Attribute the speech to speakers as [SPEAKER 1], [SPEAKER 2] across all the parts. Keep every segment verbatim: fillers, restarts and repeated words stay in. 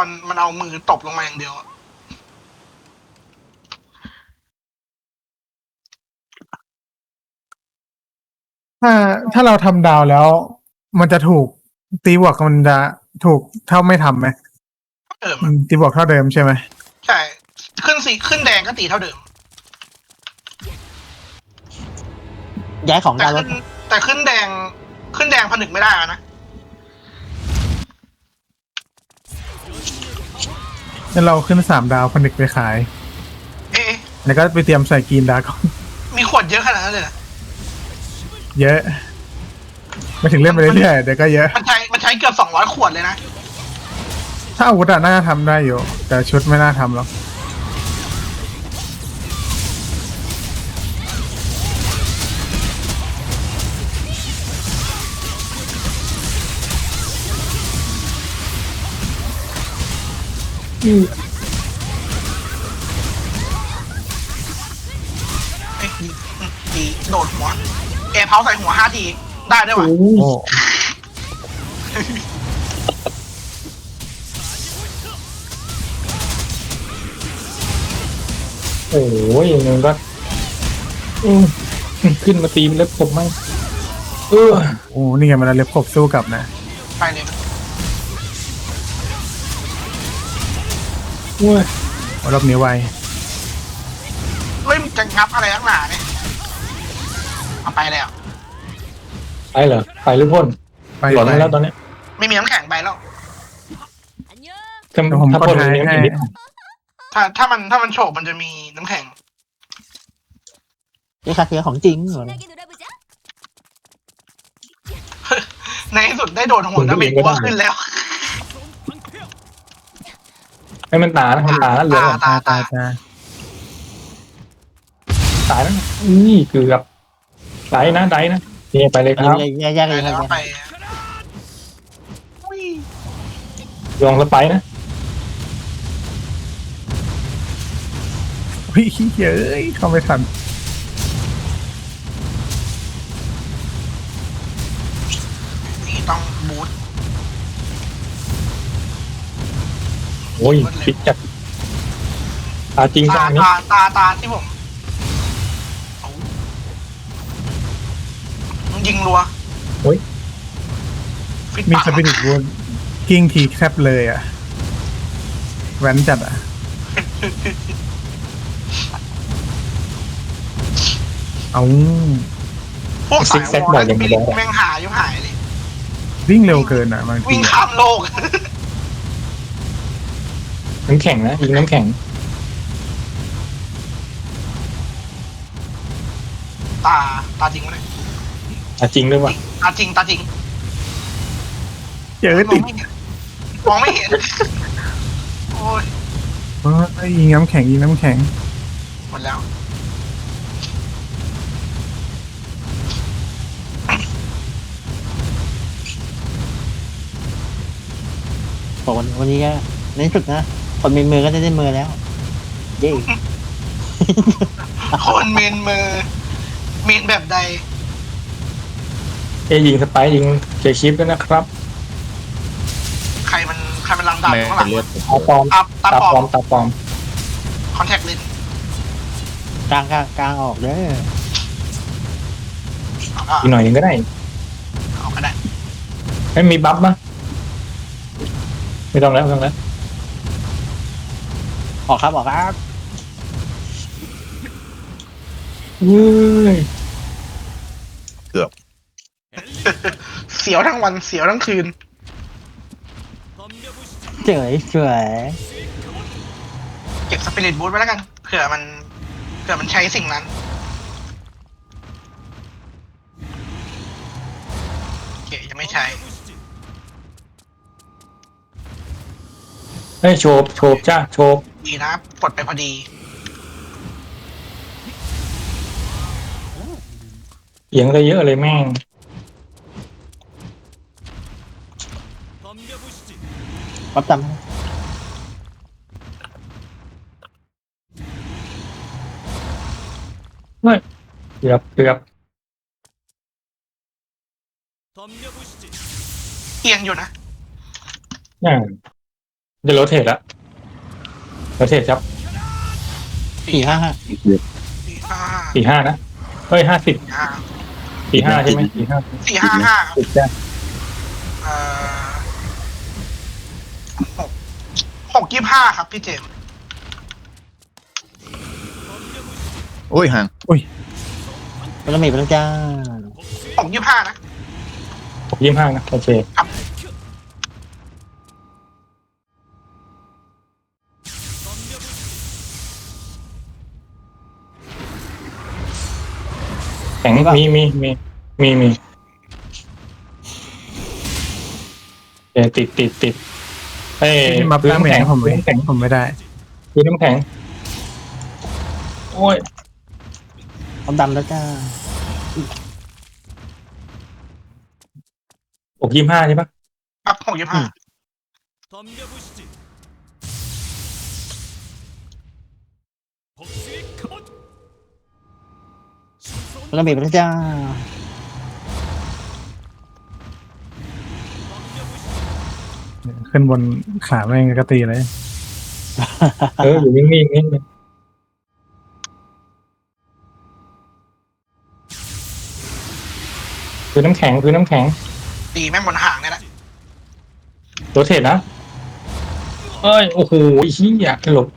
[SPEAKER 1] อนมันเอามือตบลงมาอย่างเดียว
[SPEAKER 2] ถ้าถ้าเราทำดาวแล้ว มันจะถูกตีบวกมันจะถูกเท่าไม่ทำไหม
[SPEAKER 1] เดิม
[SPEAKER 2] อืมตีบวกเท่าเดิมใช่ไหม
[SPEAKER 1] ใช่ขึ้นสีขึ้นแดงก็ตีเท่าเดิม
[SPEAKER 3] ย้ายของ
[SPEAKER 1] แต่
[SPEAKER 3] ดาวร
[SPEAKER 1] ขึ้
[SPEAKER 3] ถ
[SPEAKER 1] นแต่ขึ้นแดงขึ้นแดงผนึกไม่ได้นะ
[SPEAKER 2] งั้นเราขึ้นสามดาวผนึกไปขาย
[SPEAKER 1] เอ๊ะ
[SPEAKER 2] แล้วก็ไปเตรียมใส่กรีนดาร์ก
[SPEAKER 1] มีขวดเยอะขนาดนั้นเลยเหรอ
[SPEAKER 2] เยอะไม่ถึงเล่นไปเรื่อยๆเดี๋ยวก็เยอะ
[SPEAKER 1] มันใช้มันใช้เกือบสองร้อยขวดเลยนะ
[SPEAKER 2] ถ้าอาวุธอะน่าจะทำได้อยู่ แต่ชุดไม่น่าทำหรอกอืม
[SPEAKER 1] เอ๊ะดีดีโดดหัวแอร์เพาใส่หัวห้าทีได้ด้วยวะ
[SPEAKER 2] โอ้
[SPEAKER 4] โอ้ยมันก็อืมขึ้นมาตีมันแล้วผมมั่งเออ
[SPEAKER 2] โหนี่ไงมันเอาเล็บขบสู้กลับนะ
[SPEAKER 1] ไปเลย
[SPEAKER 4] โอ้ย
[SPEAKER 2] โอ้รอบนี้ไว
[SPEAKER 1] เฮ้ยมันจะงับอะไรนักหนาเนี่ยเอาไปแล้ว
[SPEAKER 4] ไปเหรอไปหรือพ่น
[SPEAKER 2] ไป
[SPEAKER 4] หลอน
[SPEAKER 2] ไป
[SPEAKER 4] แล้วตอนเนี้ย
[SPEAKER 1] ไม่มีน้ำแข็งไปแล้ว
[SPEAKER 4] ถ้า
[SPEAKER 2] เดี๋ยวผม
[SPEAKER 4] ถ้า
[SPEAKER 2] ก็
[SPEAKER 4] พ่น
[SPEAKER 2] ท้าย
[SPEAKER 4] เนี้ย
[SPEAKER 2] ให้
[SPEAKER 4] นิด
[SPEAKER 1] ถ้าถ้ามันถ้ามันโฉบมันจะมีน้ำแข็ง
[SPEAKER 3] ไอ้คาเทียของจริงเหรอ
[SPEAKER 1] ในที่สุดได้โดนหัวน้ำเบรกว่าขึ้นแล้ว
[SPEAKER 4] ให้มันตานะมันตานะเหลือ
[SPEAKER 1] ตาตา
[SPEAKER 2] ตา
[SPEAKER 1] ตา
[SPEAKER 2] ตา
[SPEAKER 4] ตายนะนี่เกือบไดนะไดนะนี่ไปเลยครับ
[SPEAKER 3] แยกแยก
[SPEAKER 1] ไป
[SPEAKER 3] เลย
[SPEAKER 1] แล้ว
[SPEAKER 3] ครับ
[SPEAKER 1] ไปอุ้ย
[SPEAKER 4] ลองสไปนะ
[SPEAKER 2] พี่เย้ยเข้าไม่ทัน
[SPEAKER 1] นี่ต้องบูท
[SPEAKER 4] โอ้ยปิดจัดตาจริง
[SPEAKER 1] ตา
[SPEAKER 4] จังนี้
[SPEAKER 1] ตาตาตาที่ผมเอามันยิงรัว
[SPEAKER 4] โอ้ย
[SPEAKER 1] ฟิต
[SPEAKER 2] มี
[SPEAKER 1] ปาก
[SPEAKER 2] สปิริตวูนกิ้งทีแคบเลยอ่ะแว้นจัดอ่ะ เอา
[SPEAKER 1] พวกสายวอลสปิริตแม่งหายอยู่หายเลย
[SPEAKER 2] วิ่งเร็วเกินอ่ะบางที
[SPEAKER 1] วิ่งข้ามโลก
[SPEAKER 4] น้ำแข็งนะยิงน้ำแข็ง
[SPEAKER 1] ตาตาจริงไหมเนี่ย
[SPEAKER 4] ตาจริงด้วยว่ะ
[SPEAKER 1] ตาจริงตาจริง
[SPEAKER 2] เจอ
[SPEAKER 1] มอ
[SPEAKER 2] ติ
[SPEAKER 1] ง
[SPEAKER 2] ด
[SPEAKER 1] ไม่เห็นมองไม่เห็นโอ้ย
[SPEAKER 2] เอ้ยยิงน้ำแข็งยิงน้ำแข็ง
[SPEAKER 1] หมดแล้ว
[SPEAKER 3] บอกวันวันนี้ก็ในที่สุดนะคนมีมือก็จะได้มือแล้วเย้
[SPEAKER 1] คนเมนมือเมนแบบใด
[SPEAKER 4] เอยยิงสไปยิงเคชิปด้วยนะครับ
[SPEAKER 1] ใครมันใครมันลังดันอยู่ข้างหลังวะ
[SPEAKER 4] ตาปลอม
[SPEAKER 1] อัพตา
[SPEAKER 4] ตา
[SPEAKER 1] ป
[SPEAKER 4] ปล
[SPEAKER 1] อ
[SPEAKER 4] อ
[SPEAKER 1] ม
[SPEAKER 4] มตาปลอม
[SPEAKER 1] คอนแทคเลนส์
[SPEAKER 3] กลางกลางกลางออกเด้อ
[SPEAKER 1] เอาก็
[SPEAKER 4] อีกหน่อยหนึงก็ได้
[SPEAKER 1] เอาก็ได้
[SPEAKER 4] ไม่มีบัฟมั้ยไม่ต้องแล้วไม่ต้องแล้ว
[SPEAKER 3] ออกครับออกครับ
[SPEAKER 4] เฮ้ย
[SPEAKER 1] เสียวทั้งวันเสียวทั้งคืน
[SPEAKER 3] เฉยเฉย
[SPEAKER 1] เก็บสปิริตบูทไว้แล้วกันเผื่อมันเผื่อมันใช้สิ่งนั้นโอเคยังไม่ใช้
[SPEAKER 4] เฮ้ยโชบโชบจ้าโชบ
[SPEAKER 1] ดีนะกดไปพอดี
[SPEAKER 4] เอียงได้เยอะเลยแม่ง
[SPEAKER 3] ปั๊บจำ
[SPEAKER 4] เกือบเกือบ
[SPEAKER 1] เอียงอยู่นะ
[SPEAKER 4] อ่าจะโรเทตแล้วโรเทตครับ
[SPEAKER 3] สี่ห้าห้า
[SPEAKER 1] สี่ห้า
[SPEAKER 4] สี่ห้านะเฮ้ยห้าสิบ
[SPEAKER 1] ห้า
[SPEAKER 4] สี่ห้าใช่ไหมสี่ห้า
[SPEAKER 1] สี่ห้าห้าครับ
[SPEAKER 4] ติดได้
[SPEAKER 1] เอ่อหกหกยี่ห้าครับพี่เจมส์
[SPEAKER 5] โอ้ยห่าง
[SPEAKER 3] พลังเมฆพลังจ้า
[SPEAKER 1] หกยี่ห้านะ
[SPEAKER 4] หกยี่ห้านะโอเคแข็งมีมีมีมีมีเออติดติดติดเอ้ย
[SPEAKER 2] ที่มา
[SPEAKER 4] พื้น
[SPEAKER 2] ตั้ง
[SPEAKER 4] น้ำ
[SPEAKER 2] แห
[SPEAKER 4] แข็ง
[SPEAKER 2] นผม
[SPEAKER 4] พื้น
[SPEAKER 2] ไม่
[SPEAKER 4] น้ำแข็ง
[SPEAKER 2] ผมไม่ได้
[SPEAKER 4] พื้นน้ำแข็งโอ้ย
[SPEAKER 3] พร้อมดำแล้วจ้า
[SPEAKER 4] หกยี่ห้าใช่ปะ
[SPEAKER 1] ครับหกยี่ห้า
[SPEAKER 3] พลังเมฆพลังจ้า
[SPEAKER 2] ขึ้นบนขาแม่งก็ตีเลย
[SPEAKER 4] เอออยู่นิ่งๆนิ่งพื้นน้ำแข็งพื้นน้ำแข็ง
[SPEAKER 1] ตีแม่งบนหางเนี่ยแหละ
[SPEAKER 4] โรเทตนะเอ้ยโอ้โหไอ้เหี้ยหลบ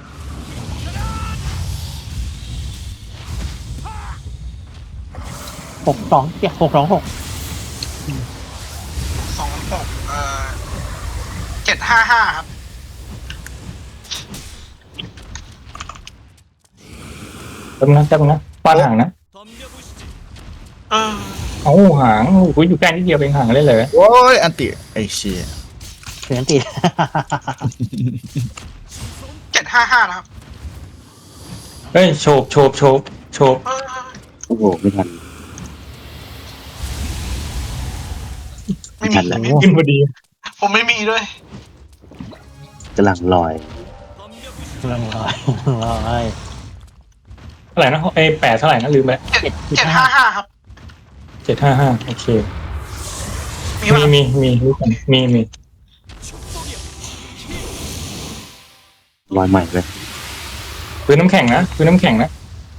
[SPEAKER 3] หกสองเจ็ดหกสองหก
[SPEAKER 1] สองหกเอ่อเจ็ดห้าห้าครับ
[SPEAKER 4] แป๊บนะแป๊บนะปาดหางนะ
[SPEAKER 1] เออ
[SPEAKER 4] เอาหางโอ้โหอยู่ใกล้นิดเดียวเองหางเลยเลย
[SPEAKER 5] โอ้ยอันติไอ้เชี่ย
[SPEAKER 3] เสียงตี
[SPEAKER 1] เจ็ดห้าห้านะครับ
[SPEAKER 4] เฮ้ยโฉบโฉบโฉบโฉบ
[SPEAKER 1] เออ
[SPEAKER 5] โอ้โหไม่ทัน
[SPEAKER 1] ไม่มีไม่มี
[SPEAKER 4] ขึ้นพอดี
[SPEAKER 1] ผมไม่มีด้วย
[SPEAKER 5] กำลังลอย
[SPEAKER 3] พลังลอยลอย
[SPEAKER 4] เท่าไหร่นะไอ้แปดเท่าไหร่นะลืมไป
[SPEAKER 1] เจ็ดเจ็ดห้าห้าครับ
[SPEAKER 4] เจ็ดห้าห้าโอเค
[SPEAKER 1] มี
[SPEAKER 4] มี
[SPEAKER 1] มั้ย
[SPEAKER 4] มีมีรู้กันมีมี
[SPEAKER 5] ลอยใหม่เลย
[SPEAKER 4] พื้นน้ำแข็งนะพื้นน้ำแข็งนะ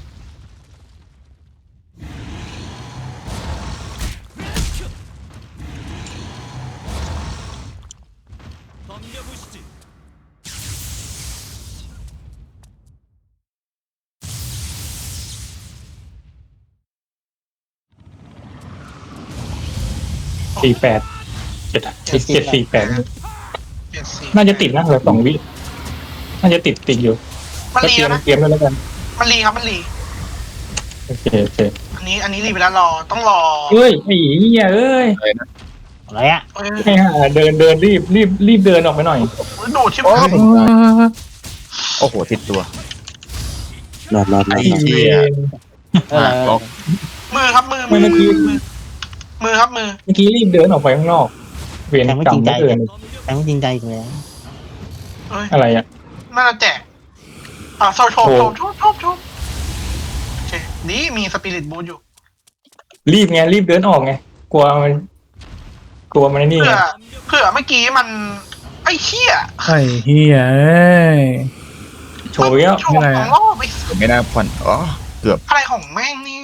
[SPEAKER 4] สี่แปดเจ็ดเจ็ดสี่แปด
[SPEAKER 1] เจ็ดสี่
[SPEAKER 4] น่าจะติดนะเหลือสองวิน่าจะติดติดอยู่
[SPEAKER 1] มัน
[SPEAKER 4] ก็
[SPEAKER 1] รี
[SPEAKER 4] เตรีย
[SPEAKER 1] แล้
[SPEAKER 4] ม
[SPEAKER 1] วนะ
[SPEAKER 4] เตรียมด้วยแล้วกัน
[SPEAKER 1] มันรีครับมันรี
[SPEAKER 4] โอเคโอเค
[SPEAKER 1] อันนี้อันนี้รีไปแล้วรอต้องรอ
[SPEAKER 4] เฮ้ยไอ้เหี้ยเอ้ย
[SPEAKER 5] อะไรนะ
[SPEAKER 3] อะไรอ่ะ
[SPEAKER 1] เอ้ย
[SPEAKER 4] ไอ้ห่าเดินเดินรีบรีบรีบเดินออกไปหน่อย
[SPEAKER 1] โดดชิบ
[SPEAKER 5] โอ้
[SPEAKER 1] หาย
[SPEAKER 5] ผมตายโอ้โหติดตัวรอดรอดรอ
[SPEAKER 4] ไอ้
[SPEAKER 5] ด
[SPEAKER 4] เว
[SPEAKER 5] เชี่ย
[SPEAKER 4] ร
[SPEAKER 3] เออ
[SPEAKER 5] ล็อก
[SPEAKER 1] มือครับมือ
[SPEAKER 4] ไม่
[SPEAKER 1] มือ
[SPEAKER 4] เมื่อกี้
[SPEAKER 1] มือมือครับมือ
[SPEAKER 4] เมื่อกี้รีบเดินออกไปข้างนอก เวร
[SPEAKER 3] แทงไม่
[SPEAKER 4] กร
[SPEAKER 3] จ
[SPEAKER 4] ร
[SPEAKER 3] ริ
[SPEAKER 4] ม
[SPEAKER 3] งใจ
[SPEAKER 4] ไม่เดิน
[SPEAKER 3] แทงไม่จริงใจอีกแล้ว
[SPEAKER 1] เอ้ย
[SPEAKER 4] อะไรอ่ะ
[SPEAKER 1] น่าจะแจกอ่าโซโช
[SPEAKER 4] โอ้
[SPEAKER 1] โชโชโชโชโอเคนี่มีสปิริตบูอยู่
[SPEAKER 4] รีบไงรีบเดินออกไงกลัวมันกลัวมันไอ้นี่
[SPEAKER 1] เผื่
[SPEAKER 4] ไง
[SPEAKER 1] อเผื่อเมื่อกี้มันไอ้เหี้ย
[SPEAKER 2] ไอ้เฮียเอ้ย
[SPEAKER 4] โชว์ไปแล้ว
[SPEAKER 1] โชว์สองรอบไอ้
[SPEAKER 5] ผมไม่น่าผ่อนอ๋อเกือบ
[SPEAKER 1] อะไรของแม่งเนี่ย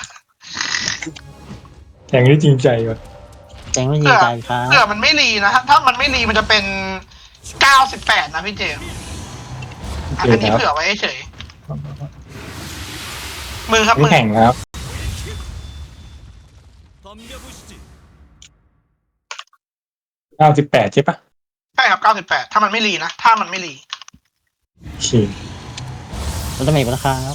[SPEAKER 4] แข่งได้จริงใจว่ะ
[SPEAKER 3] แทงไม่จริงใจครับ
[SPEAKER 1] เผื่อมันไม่รีนะถ้าถ้ามันไม่รีมันจะเป็นเก้าสิบแปดนะพี่เจมส์
[SPEAKER 4] โอ
[SPEAKER 1] อั
[SPEAKER 4] เคน
[SPEAKER 1] นี้
[SPEAKER 4] ครับ
[SPEAKER 1] เผื่อไว้เฉยมือครับมื
[SPEAKER 4] น้ำ
[SPEAKER 1] อ
[SPEAKER 4] แข่งครับเก้าสิบแปดใช่ปะ
[SPEAKER 1] ใช่ครับเก้าสิบแปดถ้ามันไม่รีนะถ้ามันไม่รี
[SPEAKER 4] โอเค
[SPEAKER 3] พลังเมฆพลังครับ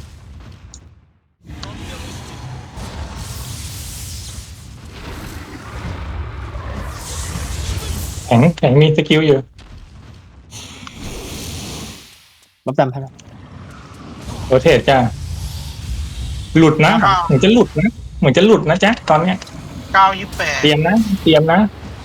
[SPEAKER 4] แข่งแข่งมีสกิลอยู่
[SPEAKER 3] รับดำพลัง
[SPEAKER 4] โรเทตจ้าหลุดนะเหมือนจะหลุดนะเหมือนจะหลุดนะจ๊ะตอนเนี้ย
[SPEAKER 1] เก้ายี่แปด
[SPEAKER 4] เตรียมนะเตรียมนะ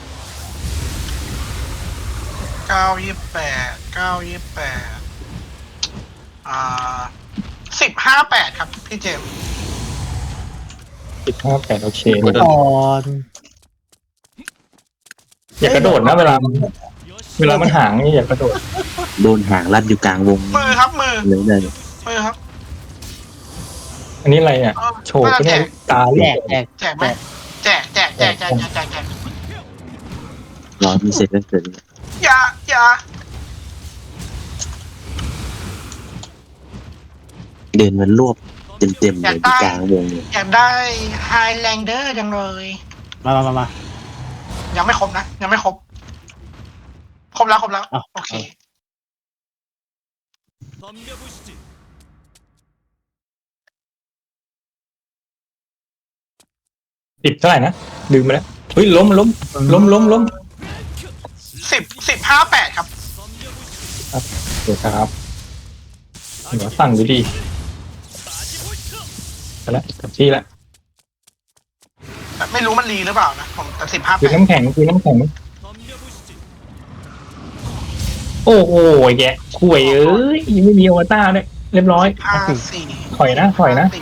[SPEAKER 1] เก้ายี่แปดเก้ายี่แปดอ่าสิบห้าแปดครับพี่เจมส์
[SPEAKER 4] สิบห้าแปดโอเค
[SPEAKER 3] ก่อน
[SPEAKER 4] อย่ากระโดดนะเวลามันเวลามันห่างนี่อย่ากระโดด
[SPEAKER 5] โดนหางรัดอยู่กลางวง
[SPEAKER 1] มือครับมือ
[SPEAKER 5] เลยเลย
[SPEAKER 1] มือครับ
[SPEAKER 4] อันนี้อะไรอ่ะ
[SPEAKER 1] เออ
[SPEAKER 4] โชว์ก็ได้ตา
[SPEAKER 3] แจ
[SPEAKER 4] เรีย
[SPEAKER 3] ก
[SPEAKER 4] ก
[SPEAKER 3] แจก
[SPEAKER 1] แจกไหมแจกแจกแจกแจกแจกแจกแจก
[SPEAKER 5] รอมีเสร็จแล้วเกิด
[SPEAKER 1] อย่าอย่า
[SPEAKER 5] เดินมันรวบเต็มๆเลยที่กลางวงเลย
[SPEAKER 1] อยากได้ไฮแลนเดอร์จังเลย
[SPEAKER 3] มามามามา
[SPEAKER 1] ยังไม่ครบนะ ยังไม่ครบ ครบแล้วครบแล้ว
[SPEAKER 3] อ้าว
[SPEAKER 1] โอเค
[SPEAKER 4] ติดเท่าไหร่นะลืมไปแล้วเฮ้ยล้มล้มล้มล้มล้ม
[SPEAKER 1] สิบสิบห้าแปดครับ
[SPEAKER 4] เดี๋ยวครับเดี๋ยวสั่งดูดีไปแล้วกับที่แล้ว
[SPEAKER 1] แต่ไม่รู้มันรีหรือเปล่านะผมแต่สิบห้า
[SPEAKER 4] คือ
[SPEAKER 1] แปด
[SPEAKER 4] น้ำแข็งคือน้ำแข็งโอ้โหแกข่วยเอ้ยยังไม่มีอวตารเลยเรียบร้อย
[SPEAKER 1] ห้าสี่
[SPEAKER 4] ถอยนะถอยนะ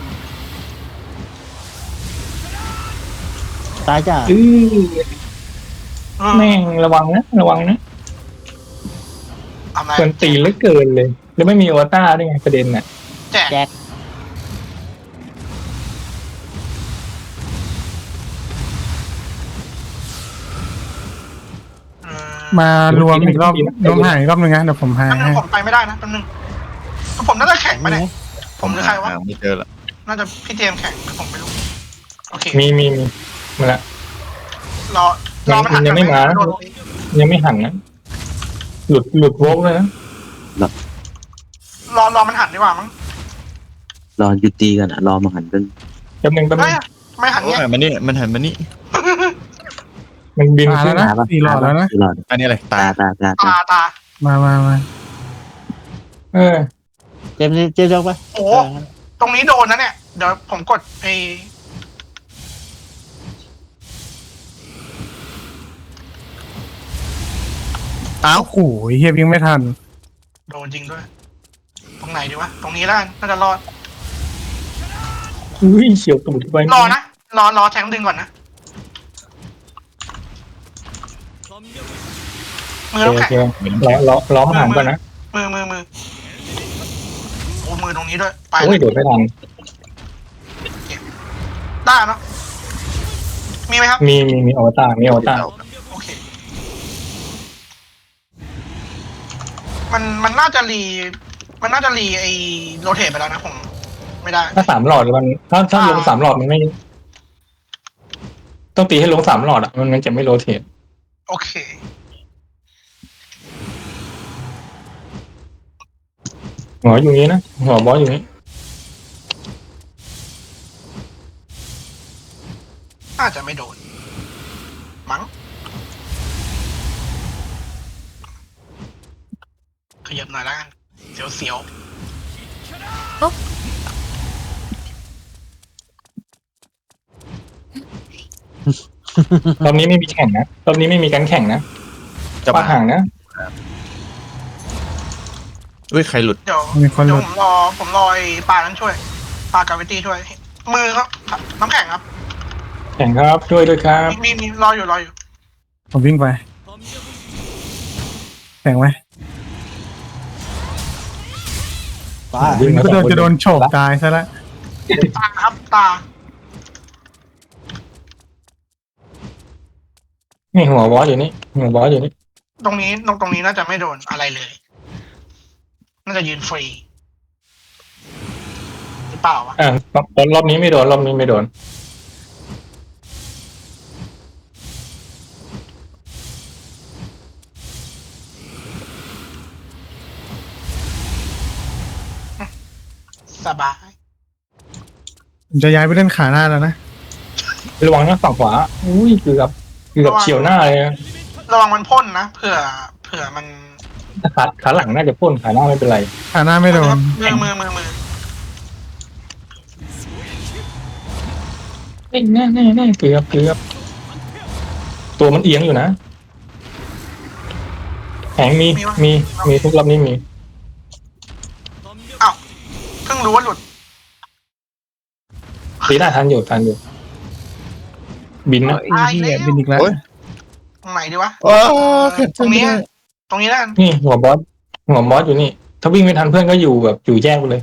[SPEAKER 3] ตายจ้า
[SPEAKER 4] อื้อแม่งระวังนะระวังนะ
[SPEAKER 1] ทำไร
[SPEAKER 4] เกินตีเหลือเกินเลย แล้วไม่มีอวตารด้วยไงประเด็นน่ะ
[SPEAKER 1] แจก
[SPEAKER 3] แจก
[SPEAKER 1] เออ
[SPEAKER 2] มารวมอีกรอบรวมหายอีกรอบหนึ่งนะเดี๋ยวผมหาย
[SPEAKER 1] แป๊บนึ
[SPEAKER 2] ให้
[SPEAKER 1] งผมไปไม่ได้นะแป๊บนึงผมน่าจะแข่งไปเนี่ยผมหรือใครวะ
[SPEAKER 5] ไม่เจอละ
[SPEAKER 1] น่าจะพี่เจมส์แข่งหรือผมไม่รู้ โอเค
[SPEAKER 4] มีมีมีมาละ
[SPEAKER 1] รอรอมันหัน
[SPEAKER 4] ยังไม่มา
[SPEAKER 1] โดน
[SPEAKER 4] ยังไม่หันนะหลุดหลุดโวกเลยนะ
[SPEAKER 1] รอรอมันหันดีกว่ามั้ง
[SPEAKER 5] รอหยุดตีกันอ่ะรอมาหันกัน
[SPEAKER 4] แป๊บนึงแป๊บนึ
[SPEAKER 1] เฮ้ย
[SPEAKER 4] ง
[SPEAKER 1] ไม่หัน
[SPEAKER 6] โอ้
[SPEAKER 1] เนี่ย
[SPEAKER 6] ยมันนี่มันหันมานี่
[SPEAKER 4] มันบิน
[SPEAKER 2] มา
[SPEAKER 4] ขึ้
[SPEAKER 2] แล้
[SPEAKER 4] น
[SPEAKER 2] วนะสี่หลอดแล้วนะ
[SPEAKER 5] สี่หลอด
[SPEAKER 6] อันนี้อะไร
[SPEAKER 5] ตา
[SPEAKER 6] ตา
[SPEAKER 5] ตาตา
[SPEAKER 1] ตาตา
[SPEAKER 2] มามามา
[SPEAKER 4] เออ
[SPEAKER 3] เจมส์เจมส์ยกไป
[SPEAKER 1] โอ้ตรงนี้โดนนะเนี่ยเดี๋ยวผมกดไอ
[SPEAKER 6] อ้าว
[SPEAKER 2] โอ้โหเฮียวิ่งไม่ทัน
[SPEAKER 1] โดนจริงด้วย ตรงไหนดีวะตรงนี้แล้วกันน่าจะรอด
[SPEAKER 4] อุ้ยเฉียวตูดไป
[SPEAKER 1] รอนะรอรอแทงดึงก่อนนะมือ
[SPEAKER 4] โอ
[SPEAKER 1] ต้อง
[SPEAKER 4] เค
[SPEAKER 1] แข็ง
[SPEAKER 4] โอเคล้อล้อล้อมหันก่อนนะ
[SPEAKER 1] มือมือมือโอ้มือตรงนี้ด้วยไป
[SPEAKER 4] โอ้ยโดดไม่ทัน
[SPEAKER 1] ได้เนาะมีไหมครับ
[SPEAKER 4] มีมีมีอวตารมีอวตาร
[SPEAKER 1] โอเค มันมันน่าจะรี มันน่าจะรีไอโรเทตไปแล้วนะผมไม่ได้
[SPEAKER 4] ถ้าสามหลอดมันถ้าถ้าลงสามหลอดมันไม่ ต้องตีให้ลงสามหลอดอ่ะมันมันจะไม่โรเทต
[SPEAKER 1] โอเค
[SPEAKER 4] หัวอยู่นี้นะหัวบอสอยู่นี้
[SPEAKER 1] น่าจะไม่โดน มั้งขยับหน่อยแล้วกัน เสียวเสียว
[SPEAKER 4] รอบนี้ไม่มีแข่งนะรอบนี้ไม่มีการแข่งนะ
[SPEAKER 6] จะ
[SPEAKER 4] ปา
[SPEAKER 6] มา
[SPEAKER 4] ห่างนะ
[SPEAKER 6] เฮ้ยใครหลุด
[SPEAKER 1] เดี๋ยว
[SPEAKER 2] มีคนห
[SPEAKER 1] เดี๋ย
[SPEAKER 2] ลุ
[SPEAKER 1] ว
[SPEAKER 2] ด
[SPEAKER 1] ผมรอ ผมรอไอ้ปลานั้นช่วย ปลากาวิตี้ช่วย มือครับ น้ำแข็งครับ
[SPEAKER 4] แข่งครับช่วยด้วยครับ
[SPEAKER 1] มีมีมีรออยู่รออยู่
[SPEAKER 2] ผมวิ่งไปแข่งไหม
[SPEAKER 3] ตา
[SPEAKER 4] วิ่งมา
[SPEAKER 2] ก็
[SPEAKER 4] ส
[SPEAKER 2] โด
[SPEAKER 4] อง
[SPEAKER 2] น
[SPEAKER 4] คน
[SPEAKER 2] จะโดนโฉบตายซะแล้ว
[SPEAKER 1] ตาครับ ตา
[SPEAKER 4] นี่หัวบอสอยู่นี่หัวบอสอยู่นี่
[SPEAKER 1] ตรงนี้ตรงตรงนี้น่าจะไม่โดนอะไรเลย น่าจะยืนฟรีหรือเปล่าวะ
[SPEAKER 4] อ่ารอบรอบนี้ไม่โดนรอบนี้ไม่โดน
[SPEAKER 1] สบาย
[SPEAKER 2] ผมจะย้ายไปเล่นขาหน้าแล้วนะ
[SPEAKER 4] ระวังนะฝั่งขวาอุ้ยเกือบเกือบเฉียวหน้าเลยนะ
[SPEAKER 1] ระวังมันพ่นนะเผื่อเผื่อมัน
[SPEAKER 4] ขาขาหลังน่าจะพ่นขาหน้าไม่เป็นไร
[SPEAKER 2] ขาหน้าไม่โดน
[SPEAKER 1] มือมือมือมือ
[SPEAKER 4] เอ้ยแน่แน่แน่เกือบเกือบตัวมันเอียงอยู่นะแข็งมีมีมีทุกรอบนี้มี
[SPEAKER 1] อ้าวเพิ่งรู้ว่าหลุด
[SPEAKER 4] ตีได้ทันอยู่ทันอยู่ บินนะ
[SPEAKER 2] ไอ้เหี้ยบินอีกแล้ว
[SPEAKER 6] โอ้ย
[SPEAKER 1] ตรงไหนดีวะ
[SPEAKER 6] โอ้แค่
[SPEAKER 1] ตรงนี้ตรงนี้แล้วกัน
[SPEAKER 4] นี่หัวบอสหัวบอสอยู่นี่ ถ้าวิ่งไม่ทันเพื่อนก็อยู่แบบอยู่แยกไปเลย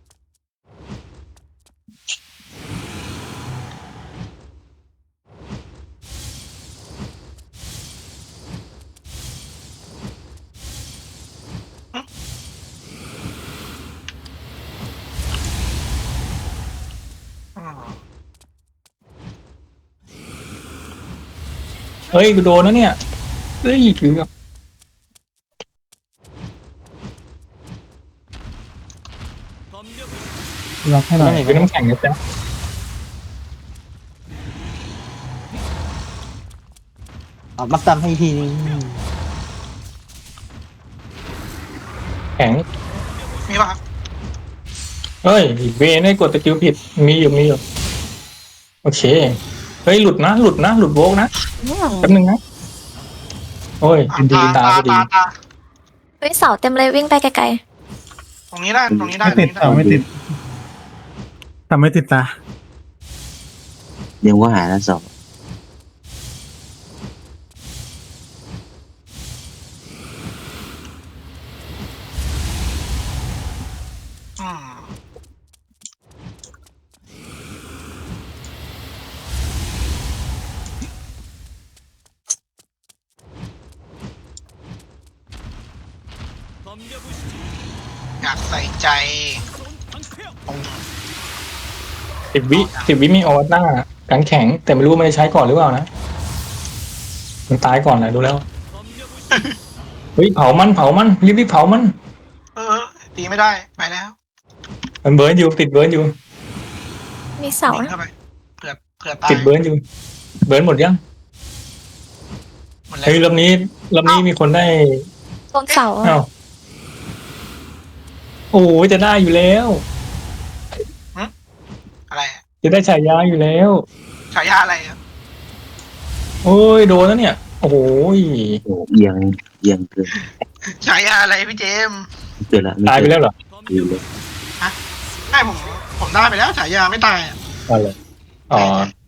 [SPEAKER 1] อืม
[SPEAKER 4] เฮ้ยกูโดนนะเนี่ยเฮ้ยคือแบบ
[SPEAKER 2] รับให้หน่อย
[SPEAKER 4] เป็นน้ำแข็งนะจ๊ะ
[SPEAKER 3] เอาบัฟตามให้ทีนึง
[SPEAKER 4] แข็ง
[SPEAKER 1] มีป่ะครับ
[SPEAKER 4] เฮ้ยเวนให้กดตะกิ้วผิดมีอยู่มีอยู่โอเคเฮ้ยหลุดนะหลุดนะหลุดโวกนะแป๊บนึงนะโอ้ย
[SPEAKER 1] อ่ะ
[SPEAKER 4] ดีตาพอดี
[SPEAKER 1] ตาตา
[SPEAKER 7] เฮ้ยเสาเต็มเลยวิ่งไปไกล
[SPEAKER 1] ตรงนี้ได้ตรงนี้ได้
[SPEAKER 2] ไม่ติด
[SPEAKER 1] ตร
[SPEAKER 2] แต่
[SPEAKER 1] งนี้
[SPEAKER 2] ไม่ติดแต่ไม่ติดตา
[SPEAKER 5] เดี๋ยวว่าหาแล้วสอง
[SPEAKER 1] อืมอยากใส่ใจตรง
[SPEAKER 4] สิบวิสิบวิมีออวัตหน้ากันแข็ง แต่ไม่รู้มันจะใช้ก่อนหรือเปล่านะมันตายก่อนแหละดูแล้วเฮ้ยเผามันเผามันรีบรีบเผามัน
[SPEAKER 1] เออตีไม่ได้ไปแล้ว
[SPEAKER 4] มันเบิร์นอยู่ติดเบิร์นอยู่
[SPEAKER 7] ๆมีเสา
[SPEAKER 1] หนี
[SPEAKER 7] นะ
[SPEAKER 1] เข้าไปเผื่อเผื่อตาย
[SPEAKER 4] ติดเบิร์นอยู่ เบิร์นหมดยัง
[SPEAKER 1] หมดแล้ว
[SPEAKER 4] เฮ้ยลำนี้ลำนี้มีคนได้
[SPEAKER 7] ตรงเสาอะ
[SPEAKER 4] อ้าวโอ้ยจะได้อยู่แล้ว
[SPEAKER 1] อะไรอะ
[SPEAKER 4] จะได้ฉายาอยู่แล้ว
[SPEAKER 1] ฉายาอะไรอะ
[SPEAKER 4] โอ้ยโดนแล้วเนี่ย โอ้โหย
[SPEAKER 5] โอ้เอียงเอียงเกิน
[SPEAKER 1] ฉายาอะไรพี่เจมส์
[SPEAKER 5] เกินละ
[SPEAKER 4] ตายไปแล้วเหรอ
[SPEAKER 5] อยู่เลย
[SPEAKER 1] ไม่ผมผมได้ไปแล้วฉายาไม่ตายอะ
[SPEAKER 4] อ๋อเหรออ๋อ